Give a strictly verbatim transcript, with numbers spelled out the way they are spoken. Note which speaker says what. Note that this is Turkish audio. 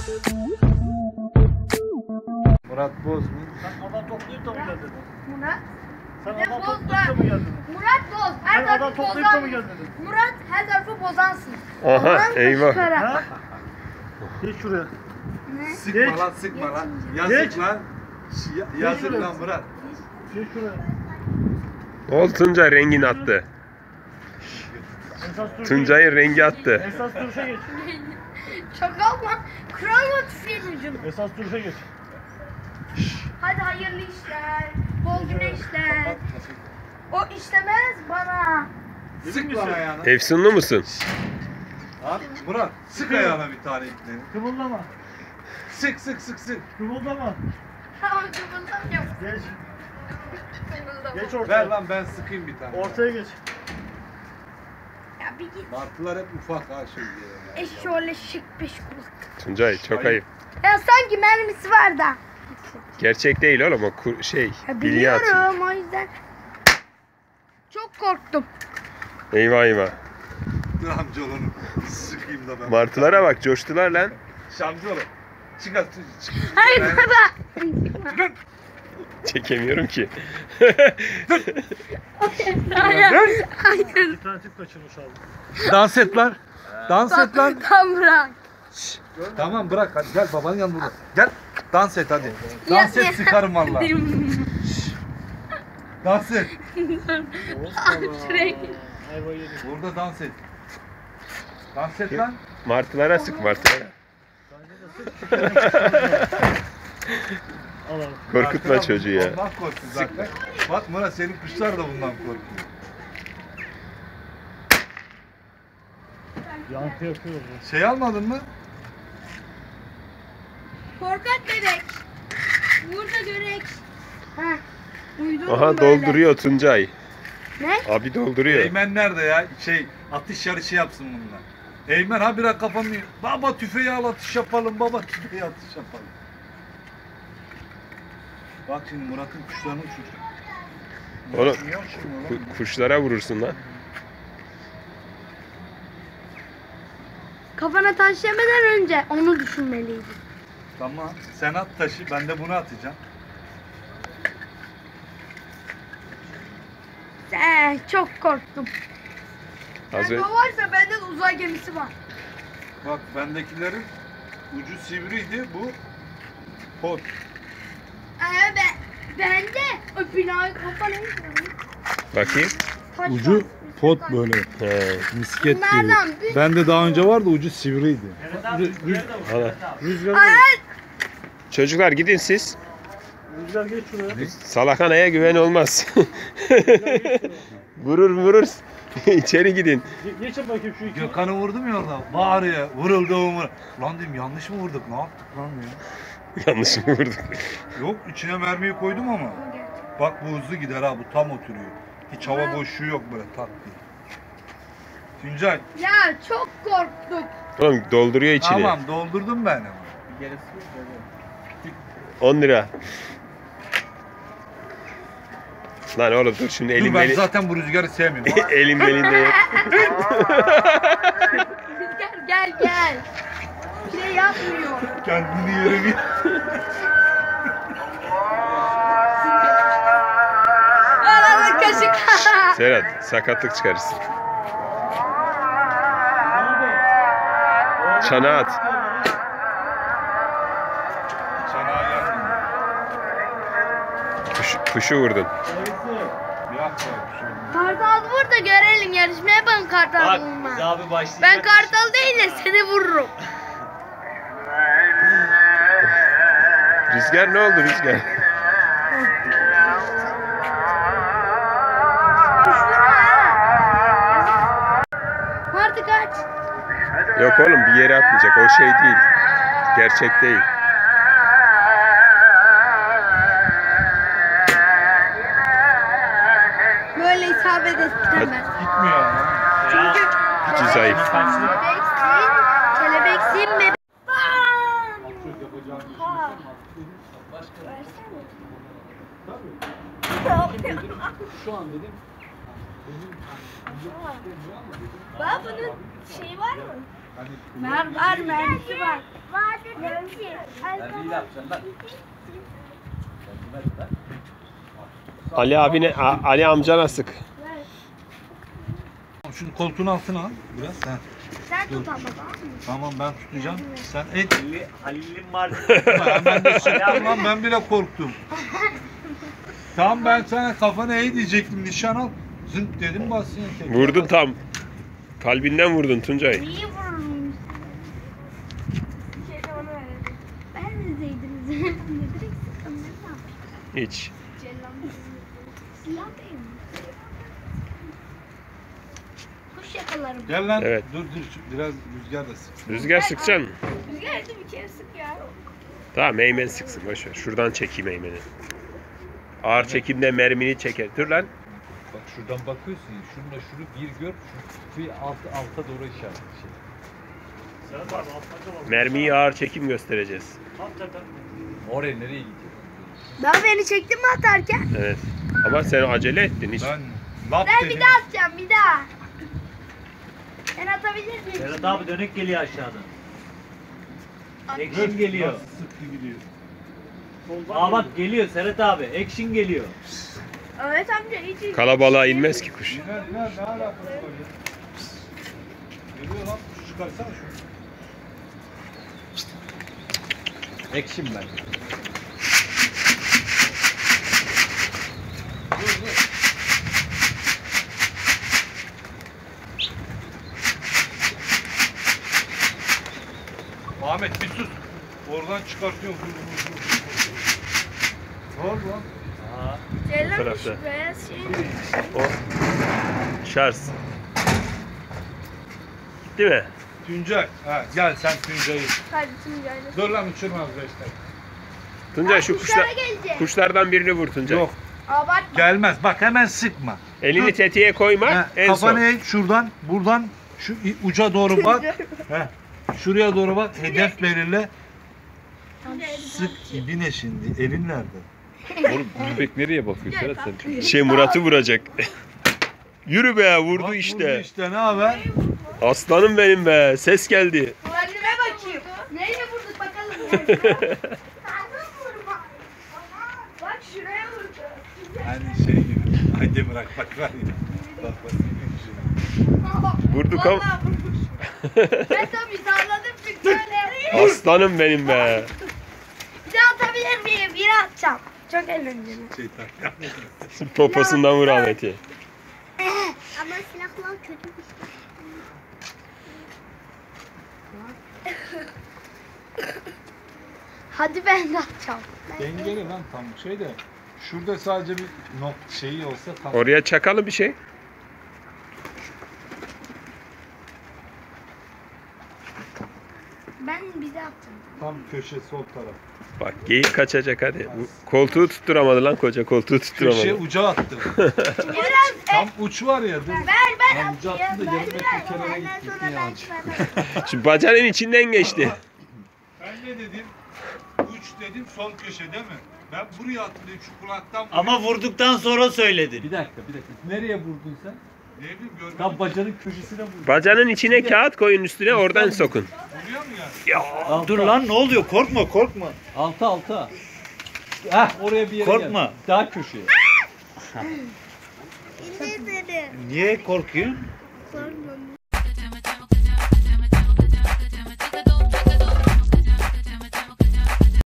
Speaker 1: Murat Boz mu?
Speaker 2: Sen adam toplayıp da mı geldin?
Speaker 3: Murat.
Speaker 2: Sen
Speaker 3: Ne
Speaker 2: adam
Speaker 3: Boz
Speaker 2: toplayıp
Speaker 3: lan?
Speaker 2: da mı geldin?
Speaker 3: Murat Boz. Her
Speaker 2: Sen adam
Speaker 3: tarafı
Speaker 2: toplayıp da mı
Speaker 3: bozan.
Speaker 2: geldin?
Speaker 3: Murat her tarafı bozansın.
Speaker 4: Aha,
Speaker 3: Bozan
Speaker 4: eyvah.
Speaker 3: çıkara.
Speaker 2: Ha? Geç şuraya.
Speaker 3: Ne?
Speaker 1: Sıkma
Speaker 2: Geç.
Speaker 1: lan sıkma lan.
Speaker 2: Geç.
Speaker 1: Yazık lan. Ş- ya- Yazık
Speaker 2: Geç.
Speaker 1: lan Murat.
Speaker 2: Geç şuraya.
Speaker 4: Ne oldu Tuncay rengini attı.
Speaker 2: Esas duruşa
Speaker 4: Tuncay'ın rengi attı.
Speaker 2: geç. Esas duruşa geç.
Speaker 3: Çakal mı? Kral mı tüfeğin ucunu?
Speaker 2: Esas duruşa geç.
Speaker 3: Hadi hayırlı işler. Bol güneşler. O işlemez bana.
Speaker 1: Sık lan ayağına.
Speaker 4: Efsunlu musun?
Speaker 1: Lan Murat sık ayağına bir tane ipleri.
Speaker 2: Kımıldama.
Speaker 1: Sık sık sık sık.
Speaker 2: Kımıldama.
Speaker 3: Tamam kımıldamıyorum.
Speaker 2: Geç.
Speaker 3: Kımıldamıyorum.
Speaker 2: Geç ortaya.
Speaker 1: Ver lan ben sıkayım bir tane.
Speaker 2: Ortaya geç.
Speaker 3: Ya bir git.
Speaker 1: Martılar hep ufak ha şey diye.
Speaker 3: E şöyle şık beş kulak.
Speaker 4: Tuncay çok ayıp.
Speaker 3: Ya sanki mermisi var da.
Speaker 4: Gerçek değil oğlum o kur- şey
Speaker 3: Ya
Speaker 4: bilye atıyor.
Speaker 3: biliyorum o yüzden. Çok korktum.
Speaker 4: Eyvah eyvah.
Speaker 1: Dur amcaoğlunu sıkayım da ben.
Speaker 4: Martılara bak coştular lan.
Speaker 1: Amcaoğlu. Çık at. Çık.
Speaker 3: Hayır baba.
Speaker 4: Çekemiyorum ki.
Speaker 3: Hayır. Hayır.
Speaker 2: Bir tane tip kaçırmış abi.
Speaker 1: Dans et lan. Dans et lan.
Speaker 3: Tam bırak.
Speaker 1: Tamam bırak hadi gel babanın yanına burada. Gel. Dans et hadi.
Speaker 3: Ya-
Speaker 1: Dans et sıkarım valla. Dans et.
Speaker 3: Şuraya
Speaker 2: Ayva yedik.
Speaker 1: Burada dans et. Dans et lan.
Speaker 4: Martılara sık martılara.
Speaker 2: Al abi.
Speaker 4: Korkutma
Speaker 1: Arkadan
Speaker 4: çocuğu ya.
Speaker 1: Ondan korktu zaten. Bak Murat senin kuşlar da bundan korkuyor.
Speaker 2: Yankı yapıyor bu.
Speaker 1: Şey almadın mı?
Speaker 3: Korkak bebek. Burada görek. Ha. Uydurdum
Speaker 4: Aha
Speaker 3: böyle.
Speaker 4: dolduruyor Tuncay.
Speaker 3: Ne?
Speaker 4: Abi dolduruyor.
Speaker 1: Eymen nerede ya? Şey atış yarışı yapsın bununla. Eymen ha biraz kafanı. Baba tüfeği al atış yapalım. Baba tüfeği atış yapalım. Bak şimdi Murat'ın kuşlarını uçuracak.
Speaker 4: Oğlum,
Speaker 1: Murat niye uçurmuyor lan?
Speaker 4: Ku- kuşlara vurursun lan.
Speaker 3: Kafana taş yemeden önce onu düşünmeliydin.
Speaker 1: Tamam. Sen at taşı. Ben de bunu atacağım.
Speaker 3: Ee, çok korktum.
Speaker 4: Az
Speaker 3: Yani
Speaker 4: önce
Speaker 3: o varsa bende de uzay gemisi var.
Speaker 1: Bak bendekilerin ucu sivriydi. Bu pot.
Speaker 3: Ee, ben, bende o binayı kafana
Speaker 4: bakayım.
Speaker 3: taş
Speaker 1: Ucu
Speaker 3: var.
Speaker 1: pot böyle.
Speaker 4: He.
Speaker 1: Misket
Speaker 3: Bunlardan
Speaker 1: gibi.
Speaker 3: bir-
Speaker 1: Bende daha önce vardı ucu sivriydi.
Speaker 2: Evet abi. Rüzgar da vur.
Speaker 4: Ana.
Speaker 2: Evet abi.
Speaker 1: Rüzgar
Speaker 3: Ay,
Speaker 4: Çocuklar gidin siz.
Speaker 2: Rüzgar geç şuraya.
Speaker 4: Salakhanaya güven olmaz. Vurur vurur. İçeri gidin.
Speaker 2: Ge- Geçin bakayım şu iki.
Speaker 1: Gökhan'ı vurdum ya orada. Bağırıyor. Vuruldu umur. Lan dedim yanlış mı vurduk? Ne yaptık lan ya?
Speaker 4: Yanlış mı vurduk?
Speaker 1: Yok içine mermiyi koydum ama. Bak bu hızlı gider ha. Bu tam oturuyor. Hiç hava boşluğu yok böyle tak diye. Tuncay.
Speaker 3: ya çok korktum.
Speaker 4: Oğlum dolduruyor içini.
Speaker 1: Tamam doldurdum ben ama.
Speaker 4: on lira. Lan oğlum dur şimdi
Speaker 1: Dur
Speaker 4: elim
Speaker 1: ben
Speaker 4: beli...
Speaker 1: zaten bu rüzgarı sevmiyorum. ha.
Speaker 4: elim belinde yok.
Speaker 3: Gel gel gel. Bir şey yapmıyor.
Speaker 1: Kendini yerim ya.
Speaker 3: Aralı kaşık.
Speaker 4: Serhat sakatlık çıkarırsın. Çana at.
Speaker 1: Çanağa geldim.
Speaker 4: Kuş, kuşu vurdun.
Speaker 1: Bir dakika. şöyle.
Speaker 3: Kartal vur da görelim, yarışmaya yapalım kartal
Speaker 5: Bak
Speaker 3: vurma.
Speaker 5: biz abi başlayacak.
Speaker 3: Ben kartal değil de seni vururum.
Speaker 4: Rüzgar ne oldu Rüzgar?
Speaker 3: Kuş vurma ha. Martı kaç.
Speaker 4: Yok oğlum bir yere atmayacak. O şey değil. Gerçek değil.
Speaker 3: Böyle isabet ettiremez.
Speaker 1: Gitmiyor ama.
Speaker 3: Çünkü
Speaker 4: İki zayıf.
Speaker 3: kelebeksin, kelebeksin bebek.
Speaker 1: Şu an dedim.
Speaker 3: Baba bunun şey var mı?
Speaker 1: Hani
Speaker 3: Var var, mermisi var.
Speaker 4: Ali abine, A- Ali amcana sık.
Speaker 1: Şunu koltuğun altına al biraz. Heh.
Speaker 3: Sen tut ama tamam mı?
Speaker 1: Tamam ben tutacağım. Sen et.
Speaker 2: Halil'in Halil'in var.
Speaker 1: Ben de sıktım lan, ben bile korktum. Tamam ben sana kafana eğ diyecektim, nişan al. Zınk dedim basın.
Speaker 4: Vurdun tam. Kalbinden vurdun Tuncay.
Speaker 3: Niye vururum? Bir şey de bana verelim. Ben de zeydim. Ne direkt sıktım, ne yapayım?
Speaker 4: Hiç.
Speaker 3: Cellam silah değil mi? Kuş yakalarım.
Speaker 1: Gel lan.
Speaker 4: Evet.
Speaker 1: Dur dur şu- biraz rüzgar da sık.
Speaker 4: Rüzgar sıkacaksın.
Speaker 3: Rüzgar ettim bir kere sık ya.
Speaker 4: Tamam Eymen sıksın boşver. Şuradan çekeyim Eymen'i. Ağır çekimde mermini çeker. Dur lan.
Speaker 5: Bak şuradan bakıyorsun ya, şununla şunu bir gör, şu bir alt, alta doğru işaret şey.
Speaker 2: Serhat abi altlarda var.
Speaker 4: Mermiyi ağır çekim göstereceğiz.
Speaker 2: Hakikaten.
Speaker 5: Oraya nereye gidiyor?
Speaker 3: Ben beni çektin mi atarken?
Speaker 4: Evet. Ama sen acele ettin hiç.
Speaker 1: Ben lap
Speaker 3: Ben
Speaker 1: dedim.
Speaker 3: bir daha atacağım bir daha. Ben atabilir miyim?
Speaker 2: Serhat abi dönük geliyor aşağıdan.
Speaker 3: At.
Speaker 2: Action geliyor.
Speaker 1: Nasıl sıktı gidiyor.
Speaker 2: Aa bak geliyor Serhat abi. Action geliyor.
Speaker 3: Evet amca hiç
Speaker 4: Kalabalığa inmez ki kuş.
Speaker 1: İner iner, ne alakası var ya? Geliyor lan, kuş çıkarsana şunu.
Speaker 5: Action ben.
Speaker 1: Dur dur. Ahmet bir sus. Oradan çıkartıyorum. Dur, dur, dur, dur. Ne oldu lan?
Speaker 2: Aa.
Speaker 3: Cellam
Speaker 4: Bu tarafta.
Speaker 3: şu beyaz şey.
Speaker 4: O. Şarj. Gitti mi?
Speaker 1: Tuncay. Ha, gel sen Tuncay'ı.
Speaker 3: Hadi Tuncay'la.
Speaker 1: Dur lan uçurmaz beş dakika.
Speaker 4: Tuncay şu
Speaker 3: Kuşlara
Speaker 4: kuşlar,
Speaker 3: gelecek.
Speaker 4: kuşlardan birini vur Tuncay.
Speaker 1: Yok
Speaker 3: Abartma.
Speaker 1: gelmez. Bak hemen sıkma.
Speaker 4: Elini
Speaker 1: Dur.
Speaker 4: tetiğe koyma
Speaker 1: Ha,
Speaker 4: en
Speaker 1: kafanı
Speaker 4: son.
Speaker 1: eğ şuradan, buradan şu i- uca doğru bak. Heh, şuraya doğru bak. Hedef belirle. Sık ibine şimdi. Elin nerede?
Speaker 5: Oğlum köpek nereye bakıyor Serhat sen?
Speaker 4: Şey Murat'ı vuracak. Yürü be vurdu
Speaker 1: Bak,
Speaker 4: işte.
Speaker 1: Vurdu işte ne haber?
Speaker 4: Aslanım benim be. Ses geldi.
Speaker 3: Kendime bakayım. Neyle vurduk bakalım. Bak şuraya vurdu.
Speaker 1: Hani şey gibi. Haydi bırak bak var ya. Bak bak.
Speaker 4: Vurduk ama.
Speaker 3: Vallahi vurmuş. Ben tabii salladım çünkü böyle.
Speaker 4: Aslanım benim be.
Speaker 3: Bir daha atabilir miyim? Bir atacağım. Çok eğlenceli.
Speaker 1: Şeytan.
Speaker 4: Poposundan vur Ahmet'i.
Speaker 3: Ama silahlar kötü bir şey. Hadi ben de atacağım.
Speaker 1: Dengeli lan tam şey de. Şurada sadece bir nok şeyi olsa tam.
Speaker 4: Oraya çakalım bir şey.
Speaker 3: Ben bir de atacağım.
Speaker 1: Tam köşe sol taraf.
Speaker 4: Bak geyik kaçacak hadi. Bu koltuğu tutturamadı lan koca koltuğu
Speaker 1: Köşe
Speaker 4: tutturamadı.
Speaker 1: uca attı.
Speaker 3: Biraz
Speaker 1: Tam uç var ya. Dur.
Speaker 3: ver ben
Speaker 5: Lan ucu
Speaker 3: atayım.
Speaker 5: attın da
Speaker 3: Ben
Speaker 5: yarım metre
Speaker 3: biraz-
Speaker 5: kenara
Speaker 3: Ondan
Speaker 5: gitti,
Speaker 3: sonra
Speaker 5: gitti
Speaker 3: ben
Speaker 5: yani.
Speaker 3: çıkarım.
Speaker 4: Şimdi bacanın içinden geçti.
Speaker 1: Ben ne dedim? Uç dedim sol köşe değil mi? Ben buraya attım dedim şu kulaktan. buraya-
Speaker 2: Ama vurduktan sonra söyledin.
Speaker 5: Bir dakika bir dakika. Nereye vurdun sen?
Speaker 1: Ne bileyim görmedim.
Speaker 5: Tam bacanın köşesine vurdun.
Speaker 4: Bacanın içine kağıt koyun üstüne oradan sokun.
Speaker 1: Vuruyor mu yani?
Speaker 5: Alta.
Speaker 2: Dur lan ne oluyor? Korkma korkma.
Speaker 5: Alta alta. Heh oraya bir yere
Speaker 2: Korkma.
Speaker 5: gel. Daha köşeye.
Speaker 3: İndir dedim.
Speaker 2: Niye korkuyorsun?
Speaker 3: Korkmam.